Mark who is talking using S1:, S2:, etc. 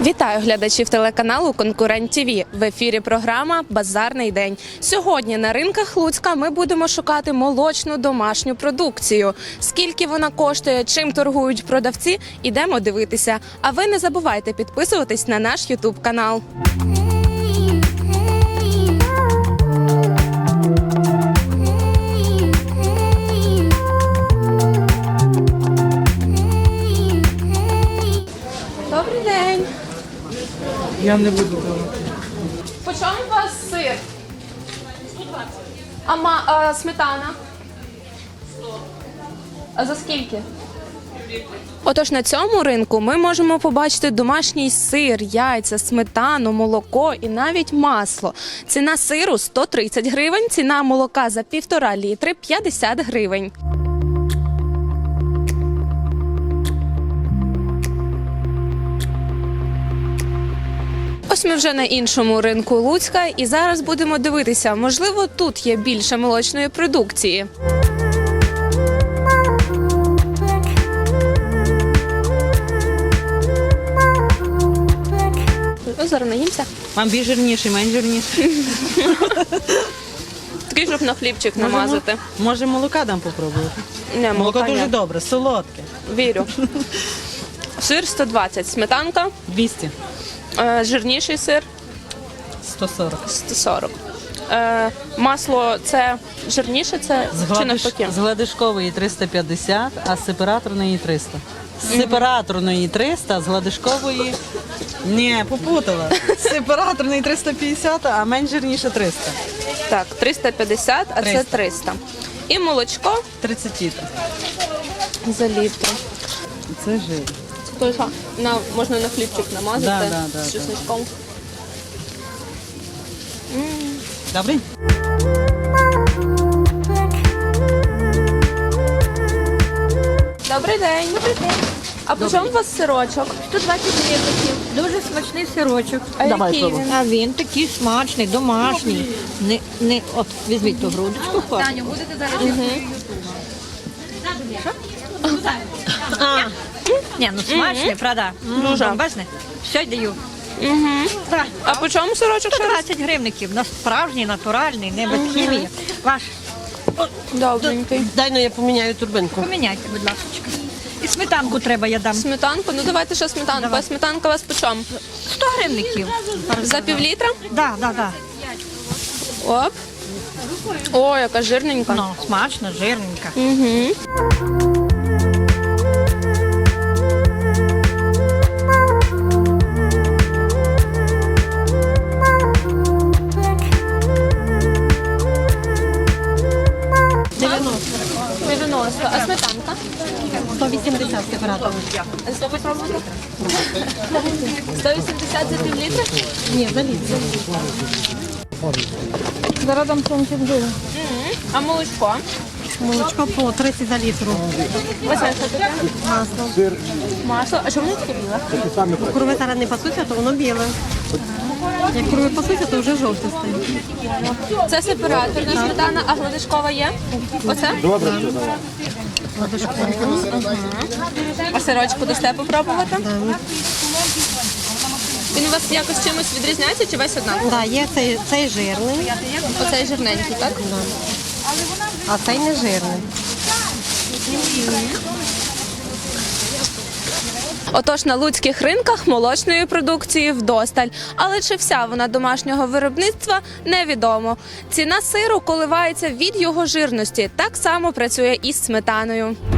S1: Вітаю глядачів телеканалу «Конкурент ТВ». В ефірі програма «Базарний день». Сьогодні на ринках Луцька ми будемо шукати молочну домашню продукцію. Скільки вона коштує, чим торгують продавці – ідемо дивитися. А ви не забувайте підписуватись на наш ютуб-канал. Добрий день.
S2: Я не буду давати.
S1: По чому у вас сир? 120. А сметана? 100. А за скільки? Отож, на цьому ринку ми можемо побачити домашній сир, яйця, сметану, молоко і навіть масло. Ціна сиру – 130 гривень, ціна молока за 1,5 літри – 50 гривень. Ось ми вже на іншому ринку Луцька і зараз будемо дивитися, можливо, тут є більше молочної продукції. Ну, зараз наїмся.
S2: Вам більш жирніший, менш жирніший.
S1: Такий, щоб на хлібчик намазати.
S2: Може молока дам попробувати?
S1: Не,
S2: Молоко
S1: молока
S2: дуже
S1: ні.
S2: добре, солодке.
S1: Вірю. Сир 120, сметанка,
S2: 200,
S1: жирніший сир
S2: 140.
S1: 140. Масло це жирніше, це чи навпаки?
S2: З гладишкової 350, а з сепараторної 300. З сепараторної 300, з гладишкової... Ні, попутала. З сепараторної 350, а менш жирніше 300.
S1: Так, 350, а це
S2: 300.
S1: 300. І молочко
S2: 30 літрів.
S1: за літр.
S2: Це жир.
S1: Тобто можна на хлібчик намазати
S2: Да,
S1: з чесничком.
S2: Добрий?
S1: Добрий день. Добрий день. А по чому у вас сирочок?
S3: 120 гривень. Дуже смачний сирочок.
S1: А який він?
S3: А він такий смачний, домашній. От, візьміть ту грудочку.
S1: Таню, будете зараз?
S3: Ні, ну смачний, правда?
S1: Дуже.
S3: Бачите? Все даю. Так.
S1: А по чому сирочок ще раз?
S3: 120 гривників. На справжній, натуральний, не без хімії. Ваш,
S1: Добренький.
S4: Дай, ну я поміняю турбинку.
S3: поміняйте, будь ласка. І сметанку треба, я дам.
S1: Сметанку? Ну давайте ще сметанку.
S3: Давай.
S1: А сметанка у вас по чому?
S3: 100 гривників.
S1: За півлітра?
S3: Так.
S1: Оп. О, яка жирненька.
S3: Ну, смачно, жирненька.
S1: Угу. А сметанка?
S4: 180 сепаратор.
S1: А що попробуйте? 180 за півлітра?
S4: Ні, за літр.
S3: Зараз дам сонцем дуже.
S1: А молочко?
S4: Молочко по 30 за літр.
S1: Ось це що таке?
S4: Масло.
S1: Масло. А що воно таке біле?
S4: Корови зараз не пасуться, то воно біле. Як корови пасуться, то вже жовте стає.
S1: Це сепараторна сметана, а гладишкова є? Оце? А сирочку дасте попробувати? Він у вас якось чимось відрізняється чи весь однаковий?
S4: Так, є цей жирний,
S1: Оцей жирненький, так?
S4: а цей не жирний.
S1: Отож, на луцьких ринках молочної продукції вдосталь. Але чи вся вона домашнього виробництва – невідомо. Ціна сиру коливається від його жирності. Так само працює і з сметаною.